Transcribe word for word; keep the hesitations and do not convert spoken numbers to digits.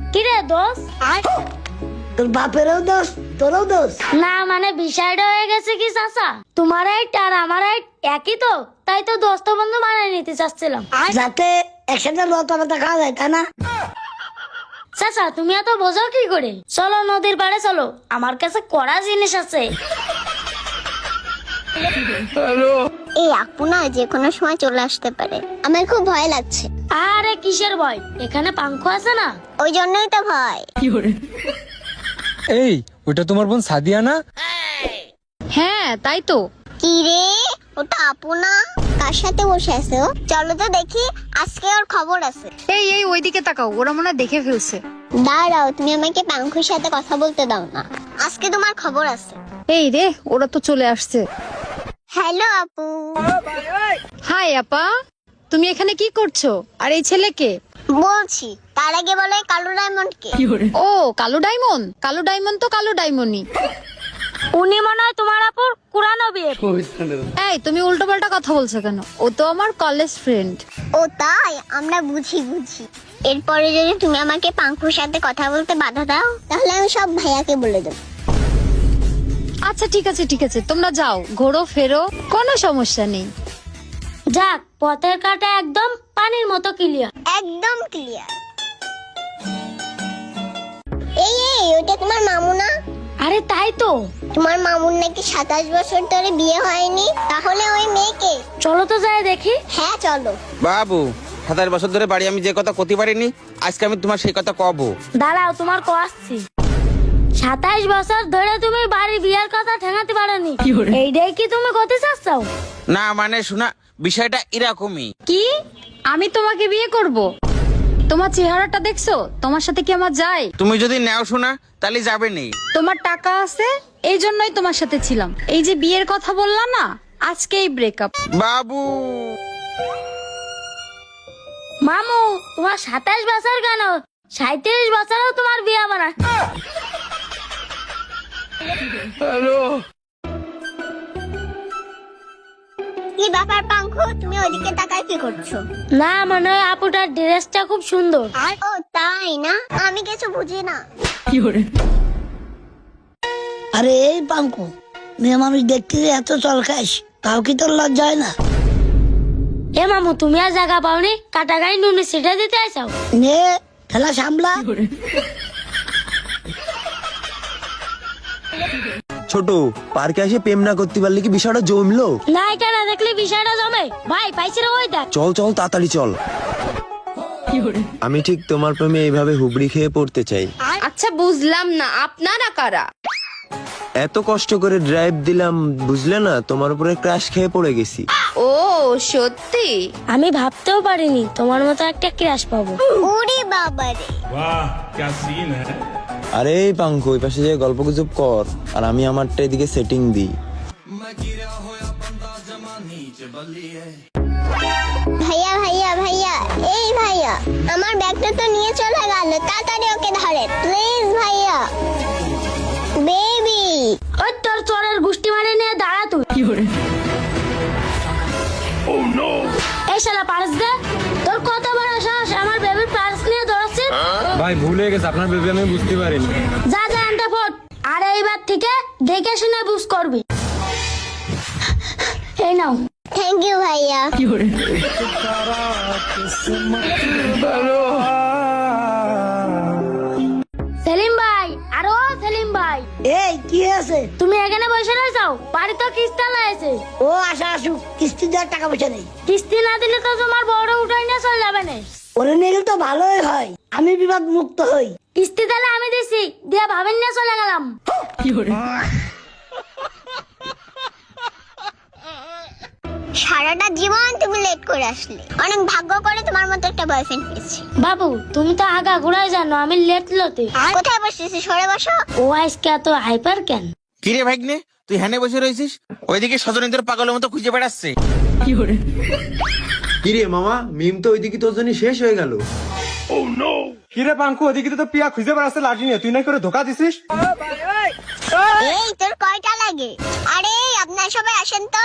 কি রে দোষ? তোর বাপেরও দোষ, তোরও দোষ। না মানে বিষয়টা হয়ে গেছে কি চাচা, তোমার হাইট আর আমার হাইট একই তো, তাই তো দোস্ত বন্ধু বানিয়ে নিতে চাচ্ছিলাম। যাতে একসাথে লতা পাতা খাওয়া যায়, তাই না? চাচা তুমি এত বোঝো কি করে? চলো নদীর পাড়ে চলো, আমার কাছে কড়া জিনিস আছে। এই আপু না যে কোনো সময় চলে আসতে পারে, আমার খুব ভয় লাগছে। আরে কিসের ভয়, এখানে পাঙ্খ আছে না? ওই জন্যই তো ভয়। এই ওটা তোমার বোন সাদিয়া না? হ্যাঁ তাই তো। কি রে, ওটা আপু না? কার সাথে বসে আছে ও? চলো তো দেখি, আজকে ওর খবর আছে। এই এই ওইদিকে তাকাও, ওরা মনে হয় দেখে ফেলছে। দাঁড়াও, তুমি আমাকে পাঙ্খুর সাথে কথা বলতে দাও না, আজকে তোমার খবর আছে। এই রে, ওরা তো চলে আসছে। হ্যালো আপু। হাই আপা, তুমি এখানে কি করছো? আর এই ছেলেকে? বলছি, তার আগে বলো এই কালো ডায়মন্ড কে? ও কালো ডায়মন্ড, কালো ডায়মন্ড তো কালো ডায়মন্ডই। উনি মনে হয় তোমার আপুর কুরানো বিয়ে। এই তুমি উল্টো পাল্টা কথা বলছো কেন? ও তো আমার কলেজ ফ্রেন্ড। ও তাই, আমরা বুঝি বুঝি। এরপরে যদি তুমি আমাকে পাঙ্কুর সাথে কথা বলতে বাধা দাও, তাহলে আমি সব ভাইয়াকে বলে দেবো। আচ্ছা ঠিক আছে ঠিক আছে, তোমরা যাও, ঘোরো ফেরো, কোনো সমস্যা নেই। যাক, পথের কাটা একদম পানির মতো ক্লিয়ার। একদম ক্লিয়ার। এই এই ওটা তোমার মামু না? আরে তাই তো। তোমার মামুর নাকি সাতাশ বছর ধরে বিয়ে হয়নি, তাহলে ওই মেয়েকে? চলো তো যাই দেখি। হ্যাঁ চলো। বাবু, সাতাশ বছর ধরে বাড়ি আমি যে কথা কতি পারিনি, আজকে আমি তোমার সেই কথা কব। দাঁড়াও, তোমার কো আসছি। সাতাইশ বছর ধরে তুমি বাড়ি বিয়ের কথা ঠেঙাতে পারোনি, এইটাই কি তুমি করতে চাচ্ছাও? না মানে শোনা, বিষয়টা এরকমই। কি? আমি তোমাকে বিয়ে করব? তোমার চেহারাটা দেখছো? তোমার সাথে কি আমার যায়? তুমি যদি নেও শোনা, তাহলে যাবে নেই। তোমার টাকা আছে, এই জন্যই তোমার সাথে ছিলাম। এই যে বিয়ের কথা বললা না, আজকেই ব্রেকআপ। বাবু, মামু, তোমার সাতাইশ বছর কেন, সাঁত্রিশ বছরও তোমার বিয়ে বানা। কি ব্যাপার পাঙ্কু, তুমি ওইদিকে তাকায় কি করছো? না মানে আপুটার ড্রেসটা খুব সুন্দর। ও তাই না, আমি কিছু বুঝি না। আরে এই পাঙ্কু, মেয়ে মানুষ দেখতে যে এত চলকাইস, তাও কি তোর লজ্জা হয় না? এ মামু, তুমি আর জায়গা পাওনি, কাটা গাড়ি নুনে সেটা দিতে আইসাও। নে ঠেলা সামলা। ছোট পার্কে এসে প্রেম না করতে পারলে কি বিষয়টা জমলো? নায়িকা না দেখলে বিষয়টা জমে। ভাই পাইছি রে, ওই দেখ। চল চল তাড়াতাড়ি চল। আমি ঠিক তোমার প্রেমে এইভাবে হুবড়ি খেয়ে পড়তে চাই। আচ্ছা বুঝলাম না, আপনারা কারা? এত কষ্ট করে ড্রাইভ দিলাম, বুঝলে না, তোমার উপরে ক্র্যাশ খেয়ে পড়ে গেছি। ও সত্যি? আমি ভাবতেও পারিনি তোমার মতো একটা ক্রাশ পাবো। ওরে বাবারে। আরে এই পাঙ্কু, ওই পাশে যে গল্প গুজব কর, আর আমি আমারটা এদিকে সেটিং দিই। ভাইয়া ভাইয়া ভাইয়া, এই ভাইয়া, আমার ব্যাগটা তো নিয়ে চলে গেল, তাড়াতাড়ি ওকে ধরে প্লিজ ভাইয়া। বেবি। ওই তোর চোরের গুষ্টি মারে নিয়ে দাঁড়া তুই। এই শালা পার্স দে। তোর কত বড় সাহস আমার বেবির পার্স নিয়ে দৌড়াচ্ছিস? ভাই ভুল হয়ে গেছে, আপনার বেবি আমি বুঝতে পারিনি। যা যা এন্টা ফোট। আর এইবার থেকে দেখে শুনে বুঝ করবি। এই নাও। থ্যাংক ইউ ভাইয়া। সেলিম ভাই, আরো সেলিম ভাই, এই কি আছে? তুমি এখানে বসে রয়েছাও? বাড়ি তো কিস্তি লাগাইছে। ও আসা আসুক, কিস্তি দেওয়ার টাকা পয়সা নেই। কিস্তি না দিলে তো তোমার বড় উঠাই নিয়ে চলে যাবে না। ওরে নিয়ে গেলে তো ভালোই হয়, আমি বিবাদ মুক্ত হই। কিস্তি তাহলে আমি দিছি, দিয়ে ভাবেন নিয়ে চলে গেলাম। সারাটা জীবন তুমি লেট করে আসলে, অনেক ভাগ্য করে তোমার মতো একটা বয়ফ্রেন্ড পেয়েছি। বাবু তুমি তো আগা ঘুরাই জানো, আমি লেট লতে। কোথায় বসেছি, সরে বসো। ও আজকে এত হাইপার কেন? কিরে ভাগ্নে, তুই হ্যানে বসে রয়েছিস? ওইদিকে সজনীদের পাগলের মতো খুঁজে বেড়াচ্ছে। কিরে মামা, মিম তো ওইদিকে তোর জন্য শেষ হয়ে গেল। কিরে পাঙ্কু, ওদিকে তো পিয়া খুঁজে বেড়াচ্ছে লাঠি নিয়ে, তুই না করে ধোকা দিছিস? এই তোর কয়টা লাগে? আরে আপনার সবাই আসেন তো।